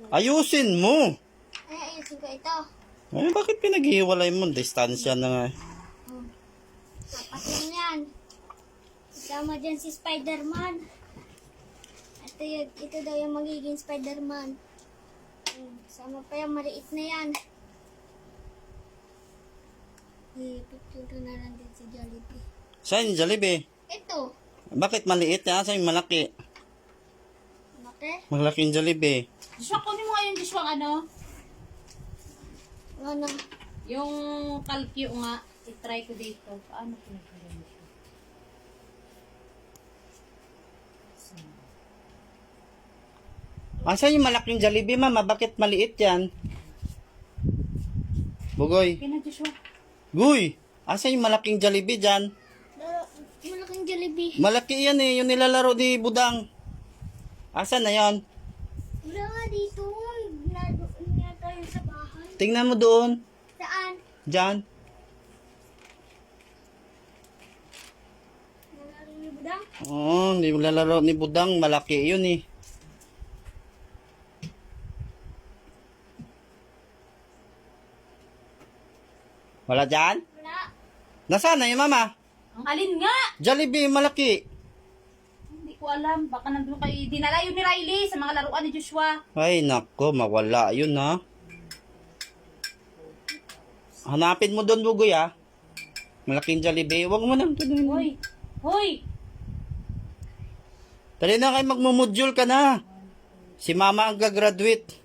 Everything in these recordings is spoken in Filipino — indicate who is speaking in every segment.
Speaker 1: Ayusin mo.
Speaker 2: Ay, ayusin ko ito.
Speaker 1: Ay, bakit pinaghihiwalay mo? Distansya na nga.
Speaker 2: Apat lang yan. Kasama dyan si Spider-Man. Ito daw yung magiging Spider-Man. Kasama pa yung maliit na yan. Picture na lang din si Jollibee.
Speaker 1: Saan yung Jollibee?
Speaker 2: Ito.
Speaker 1: Bakit maliit? Saan yung malaki?
Speaker 2: Bakit?
Speaker 1: Malaking Jollibee.
Speaker 3: Joshua, kunin mo nga yung Joshua ano?
Speaker 2: Ano?
Speaker 3: Yung kalkyo nga. I-try ko dito. Paano ko nagkaroon ito?
Speaker 1: Saan yung malaking Jollibee, mama? Bakit maliit yan? Bugoy.
Speaker 3: Okay na, Joshua.
Speaker 1: Guy! Saan yung malaking Jollibee dyan?
Speaker 2: Malaking Jollibee.
Speaker 1: Malaki yan eh, yung nilalaro ni Budang. Asan na yan?
Speaker 2: Wala nga dito. Nga tayo sa bahay.
Speaker 1: Tingnan mo doon.
Speaker 2: Saan?
Speaker 1: Dyan.
Speaker 2: Nalaro ni Budang?
Speaker 1: Oo, nilalaro ni Budang. Malaki yun eh. Wala dyan?
Speaker 2: Wala.
Speaker 1: Nasaan na yung mama?
Speaker 3: Ang alin nga?
Speaker 1: Jollibee, malaki.
Speaker 3: Hindi ko alam. Baka nandun kayo. Dinala yun ni Riley sa mga laruan ni Joshua.
Speaker 1: Ay, nako, mawala yun ha. Hanapin mo doon, Bugoy ha. Malaking Jollibee. Huwag mo nang tuloy.
Speaker 3: Hoy! Hoy!
Speaker 1: Dali na kayo magmumodule ka na. Si mama ang gagraduate.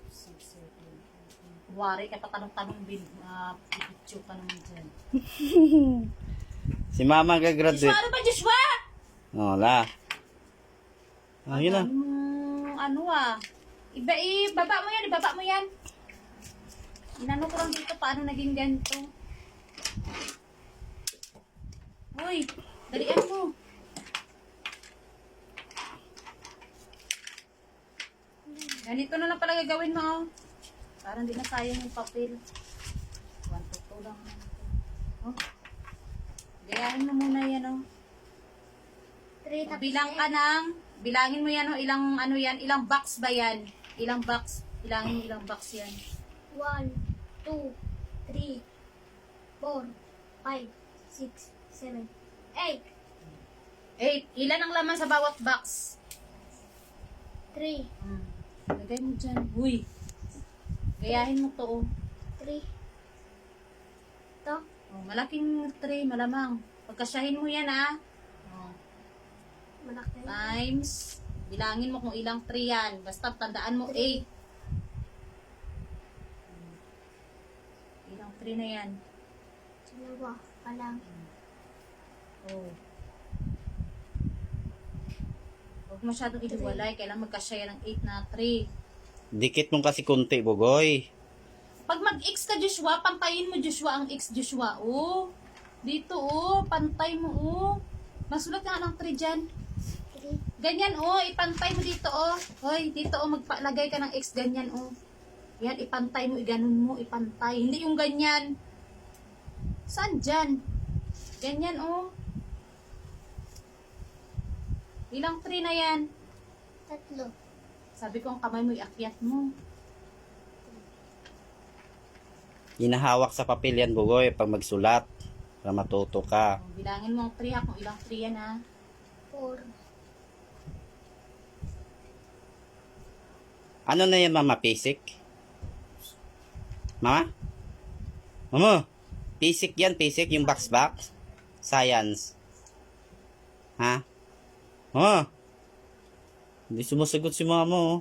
Speaker 3: Wari ka patanong-tanong picture ka naman dyan.
Speaker 1: Si mama ang
Speaker 3: Joshua,
Speaker 1: gagraduate.
Speaker 3: ano ba Joshua?
Speaker 1: Wala. Yun na.
Speaker 3: Ano ibaba mo yan, ibaba mo yan. Inano ko lang dito, paano naging ganito. Hoy, dalian mo. Ganito na lang pala gagawin mo, oh. Parang di na sayang yung papel. 1, 2 lang. Oh. Gayahin mo muna yan, oh.
Speaker 2: 3 tapos
Speaker 3: Bilangin mo yan, oh, ilang ano yan, ilang box ba yan? Ilang box? Bilangin mo ilang box yan.
Speaker 2: 1, 2, 3, 4, 5, 6, 7, 8,
Speaker 3: 8. Ilan ang laman sa bawat box?
Speaker 2: 3,
Speaker 3: Lagay mo dyan. Uy. Gayahin mo to, oh.
Speaker 2: 3. Ito.
Speaker 3: Oh, malaking tray, malamang. Pagkasyahin mo yan, ah. Oh.
Speaker 2: Malaki.
Speaker 3: Times. Bilangin mo kung ilang tray yan. Basta tandaan mo, 8. Ilang tray na yan.
Speaker 2: Dalawa pa lang.
Speaker 3: Oh. Huwag masyadong iluwalay. Kailangan magkasya ng 8 na tray.
Speaker 1: Dikit mo kasi kunti, Bugoy.
Speaker 3: Pag mag-X ka, Joshua, pantayin mo, Joshua, ang X, Joshua. Oh. Dito, oh. Pantay mo, oh. Masulat nga ng 3 dyan.
Speaker 2: 3.
Speaker 3: Ganyan, oh. Ipantay mo dito, oh. Hoy, dito, oh. Magpalagay ka ng X. Ganyan, oh. Yan, ipantay mo. Iganon mo. Ipantay. Hindi yung ganyan. Saan dyan? Ganyan, oh. Ilang 3 na yan?
Speaker 2: 3.
Speaker 3: Sabi ko, ang kamay mo, iakyat mo.
Speaker 1: Hinahawak sa papel yan, Bugoy, pag magsulat. Para matuto ka.
Speaker 3: Oh, bilangin mo ang 3, ha. Kung ilang 3 yan, ha.
Speaker 2: 4.
Speaker 1: Ano na yan, mama? Basic? Mama? Mama? Basic yan, basic. Yung box. Science. Ha? Mama? Hindi sumasagot si mama, oh.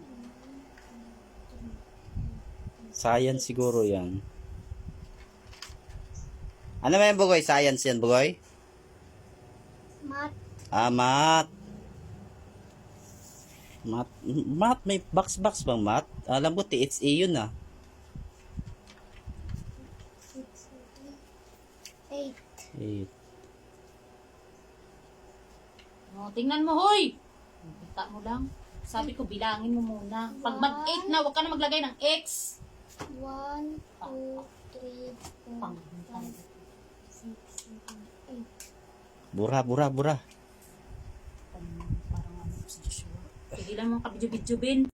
Speaker 1: Science siguro yan. Ano ba yan, Bugoy? Science yan, Bugoy?
Speaker 2: Math.
Speaker 1: Math. Math, may box bang math? Alam ko, THA yun, ah.
Speaker 2: 6, 8.
Speaker 1: 8.
Speaker 3: Oh, tingnan mo, hoy! Kita mo lang. Sabi ko, bilangin mo muna. Pag mag-8 na, huwag ka na maglagay ng X.
Speaker 2: 1, 2, 3, 4, 5, 6, 7, 8.
Speaker 1: Bura.
Speaker 3: Parang ano si Joshua. Tigilan mo kabidyo-bidyobin.